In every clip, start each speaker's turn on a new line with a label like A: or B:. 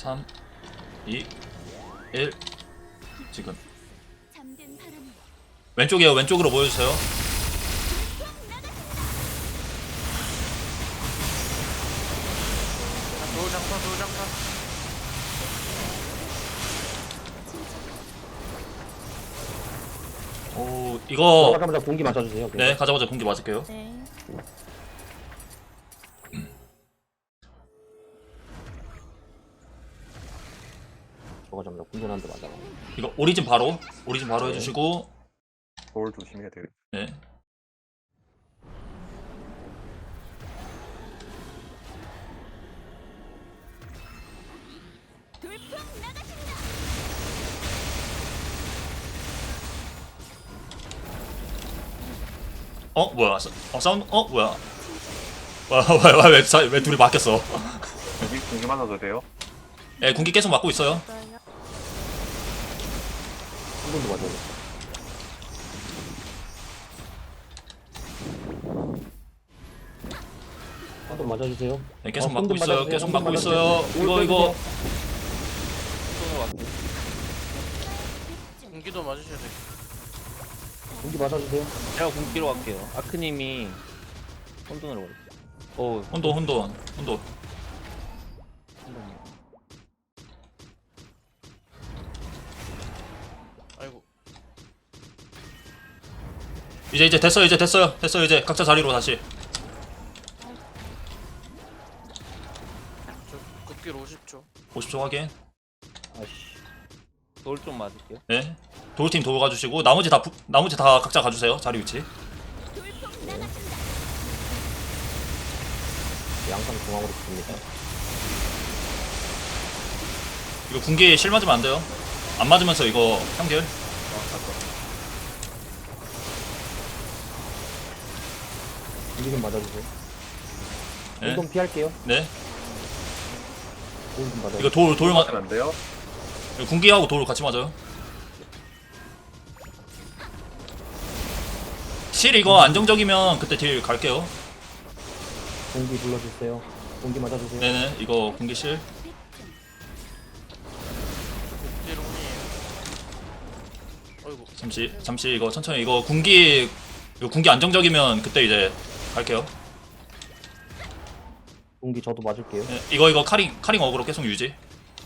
A: 3 2 1 지금 왼쪽이에요. 왼쪽으로 모여주세요.
B: 도장사.
A: 오 이거
C: 가자마자 공기 맞아주세요.
A: 네 가자마자 공기 맞을게요.
D: 네.
C: 가자마자 공기 한대 맞아.
A: 이거 오리진 바로 해주시고
B: 돌 조심해야 돼요.
A: 네. 뭐야? 사운드? 뭐야? 왜 둘이 바뀌었어?
B: 공기 맞아도 돼요?
A: 예, 군기 계속 맞고 있어요.
C: 한 번도 맞아야 돼. 한번 맞아주세요.
A: 네, 계속
C: 어,
A: 맞고
C: 손좀
A: 있어요.
C: 맞아주세요.
A: 계속
C: 손좀
A: 맞고
C: 맞아주세요.
A: 있어요. 이거
E: 공기도 맞으셔야 돼.
C: 공기 맞아주세요.
F: 제가 공기로 갈게요. 아크님이 혼돈으로 가요. 오,
A: 혼돈.
E: 아이고.
A: 이제 됐어요. 이제 각자 자리로 다시.
E: 저 극기로 50초.
A: 50초 확인.
C: 아씨.
F: 돌 좀 맞을게요.
A: 네. 돌팀 도우 가주시고 나머지 다 각자 가주세요. 자리 위치.
C: 양상 중앙으로 붙습니다.
A: 이거 군기 실 맞으면 안 돼요. 안 맞으면서 이거 평결.
C: 공기 좀 맞아주세요.
A: 네.
C: 공동 피할게요.
A: 네.
C: 공기 좀 맞아.
A: 이거 돌 맞.
B: 맞으면 안 돼요?
A: 이거 군기하고 돌 같이 맞아요. 실 이거 안정적이면 그때 딜 갈게요.
C: 공기 불러주세요. 공기 맞아주세요.
A: 네네. 이거 군기 실.
E: 극기롱이에요. 아이고.
A: 잠시 이거 천천히 이거 군기 안정적이면 그때 이제 갈게요.
C: 공기 저도 맞을게요.
A: 네, 이거 카링 어그로 계속 유지.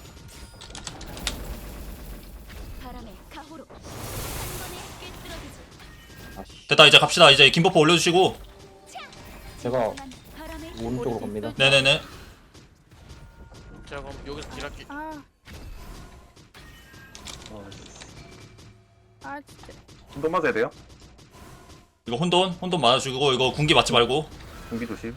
C: 아씨.
A: 됐다. 이제 갑시다. 이제 김버퍼 올려주시고.
C: 제가 오른쪽으로 갑니다.
A: 네네네.
E: 제가 그럼 여기서 딜할게.
D: 진짜.
B: 공도 맞아야 돼요?
A: 이거 혼돈 맞아주고 이거 군기 맞지 말고.
B: 공기 조심.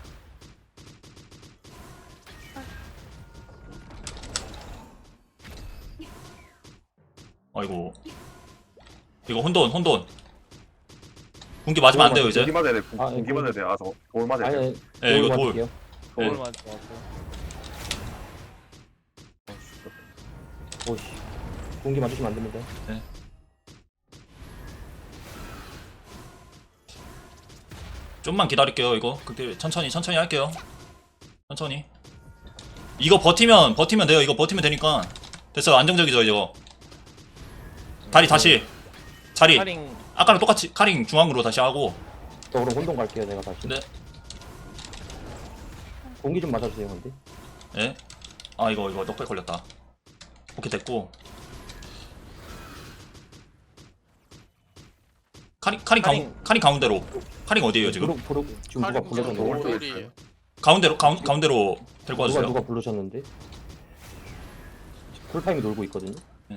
A: 아이고. 이거 혼돈. 군기 맞으면 안 돼요 이제.
B: 공기 맞아야 돼.
C: 아,
B: 공기
C: 예,
B: 맞아야 돼. 돌 맞아야 돼.
C: 아니,
A: 예, 이거 돌.
C: 맞을게요.
F: 돌
A: 네.
F: 맞았어요.
C: 오씨. 공기 맞으시면 안 됩니다.
A: 좀만 기다릴게요. 이거 그때 천천히 할게요. 천천히. 이거 버티면 돼요. 이거 버티면 되니까. 됐어요. 안정적이죠 이거. 다리 다시. 자리.
F: 카링
A: 아까랑 똑같이 카링 중앙으로 다시 하고.
C: 저 그럼 혼동 갈게요. 내가 다시.
A: 네.
C: 공기 좀 맞아주세요. 근데.
A: 예. 아 이거 넉백 걸렸다. 오케이 됐고. 카링 가운데로. 카링 어디에요 지금?
C: 지금 누가 불러줬는데?
B: 오른쪽에
E: 돌이에요.
A: 가운데로 데리고 와주세요.
C: 누가 부르셨는데? 쿨타임이 놀고 있거든요.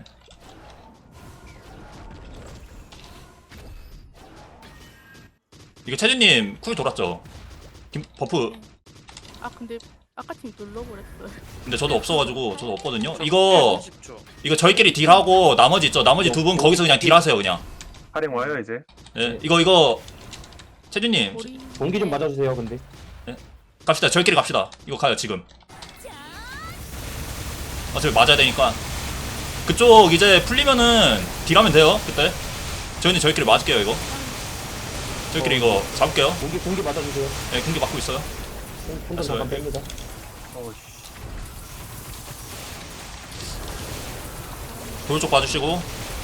A: 이거 채진님 쿨 돌았죠? 버프.
D: 근데 아까 팀 눌러버렸어요.
A: 근데 저도 없어가지고 저도 없거든요. 이거
E: 50초.
A: 저희끼리 딜하고 나머지 있죠. 나머지 두 분 거기서 그냥 딜하세요 그냥.
B: 할인 와요 이제.
A: 예. 이거 채준님
D: 머리.
C: 공기 좀 맞아주세요. 근데.
A: 갑시다. 저희끼리 갑시다. 이거 가요 지금. 어차피 맞아야 되니까. 그쪽 이제 풀리면은 딜하면 돼요 그때. 저희끼리 맞을게요 이거. 저희끼리 이거 잡을게요.
C: 공기 맞아주세요.
A: 네, 공기 맞고 있어요.
C: 혼돈 잠깐 뺍니다.
A: 돌 쪽 봐주시고.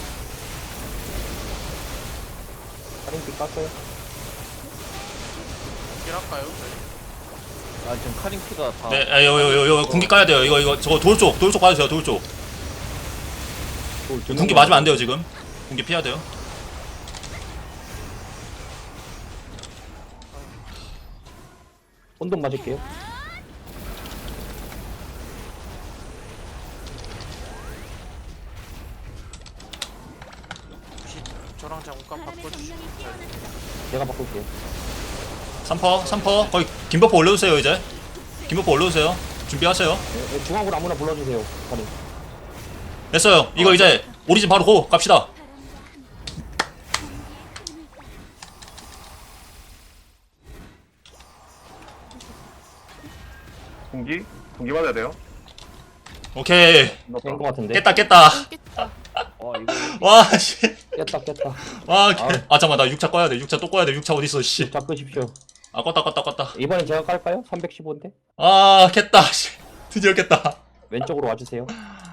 C: 카링 깠어요.
E: 딜할까요? 저희?
F: 아 지금 카링피가 다.
A: 네, 아, 요 군기 까야 돼요. 이거 저거 돌 쪽 봐주세요. 돌 쪽. 군기 맞으면 안 돼요 지금. 군기 피해야 돼요.
C: 혼돈 맞을게요.
E: 혹시 저랑 잠깐 바꿔주시면
C: 제가 바꿀게요.
A: 3퍼 거의 김버퍼 올려주세요 이제. 김버퍼 올려주세요. 준비하세요.
C: 네, 네, 중앙으로 아무나 불러주세요. 카링.
A: 됐어요. 이거 이제 오리진 바로 고 갑시다.
B: 공기 맞아야 돼요.
A: 오케이.
C: 깬 거 같은데.
A: 깼다.
D: 깼다.
F: 이거
A: 와 씨.
C: 깼다.
A: 와 잠깐만 나 6차 꺼야 돼. 6차 또 꺼야 돼. 6차 어디 있어 씨.
C: 자 끄십시오.
A: 아 껐다.
C: 이번엔 제가 깔까요? 315인데.
A: 아 깼다 씨. 드디어 깼다.
C: 왼쪽으로 와주세요.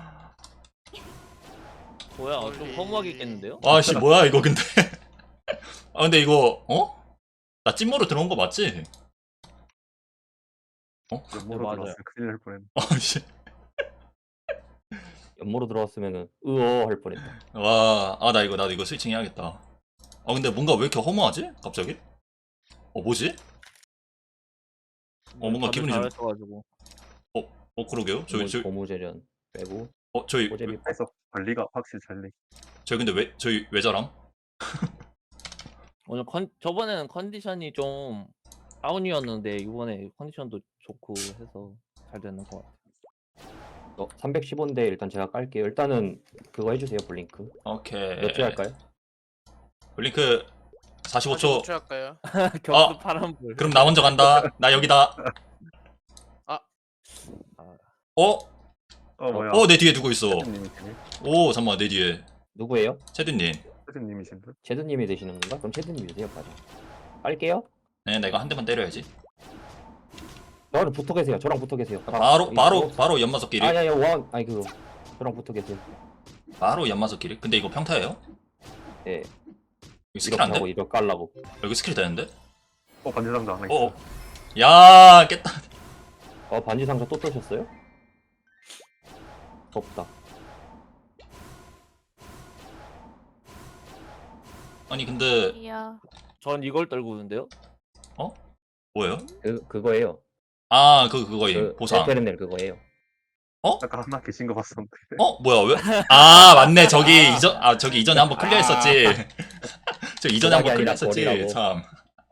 F: 뭐야 좀 허무하게 깼는데요?
A: 와 씨 뭐야 이거 근데. 아 근데 이거 나 찐모로 들어온 거 맞지?
B: 연모로
F: 맞아요.
B: 들어왔으면 큰일 날 뻔했네.
A: 씨.
C: 연모로 들어왔으면은 으어 할 뻔했다.
A: 와, 나도 이거 스위칭 해야겠다. 근데 뭔가 왜 이렇게 허무하지? 갑자기? 뭐지? 뭔가 기분이 좀-
F: 잘했어가지고.
A: 그러게요. 저희,
C: 고무재련 빼고
A: 저희,
C: 고재비
B: 그래서 관리가 확실히 잘돼.
A: 저희 근데 저희 왜 저람?
F: 오늘 저번에는 컨디션이 좀 다운이었는데 이번에 컨디션도 좋고 해서 잘 되는 것 같아요.
C: 315인데 일단 제가 깔게요. 일단은 그거 해주세요. 블링크.
A: 오케이.
C: 몇 초 할까요?
A: 블링크 45초.
E: 45초 할까요?
F: 격수 파란불.
A: 그럼 나 먼저 간다. 나 여기다.
B: 뭐야?
A: 내 뒤에 누구 있어?
B: 세드님이시네.
A: 잠깐만, 내 뒤에.
C: 누구예요?
A: 체드님.
B: 세드님이신 분?
C: 제드님이 되시는 건가? 그럼 제드님 주세요. 빠져. 깔게요.
A: 네, 내가 한 대만 때려야지.
C: 저랑 붙어 계세요. 저랑 붙어 계세요.
A: 바로 연마석끼리.
C: 아니야 아니 그거 저랑 붙어 계세요.
A: 바로 연마석끼리. 근데 이거 평타예요?
C: 예.
A: 이거 스킬
C: 이렇게
A: 안
C: 하고
A: 돼?
C: 이거 깔라고.
A: 여기 스킬 되는데?
B: 반지상자 하나 있어.
A: 야, 깼다.
C: 반지 상자 또 뜨셨어요? 없다.
A: 아니 근데
D: 이야.
F: 전 이걸 떨고 있는데요.
A: 뭐예요?
C: 그거예요.
A: 그거임. 보상.
C: 에페르넬 그거예요.
B: 아까 하나 계신 거 봤었는데.
A: 뭐야 왜? 맞네. 저기 이전에 한번 클리어했었지. 저 이전에 한번
C: 아니라
A: 클리어했었지.
C: 거리라고.
A: 참.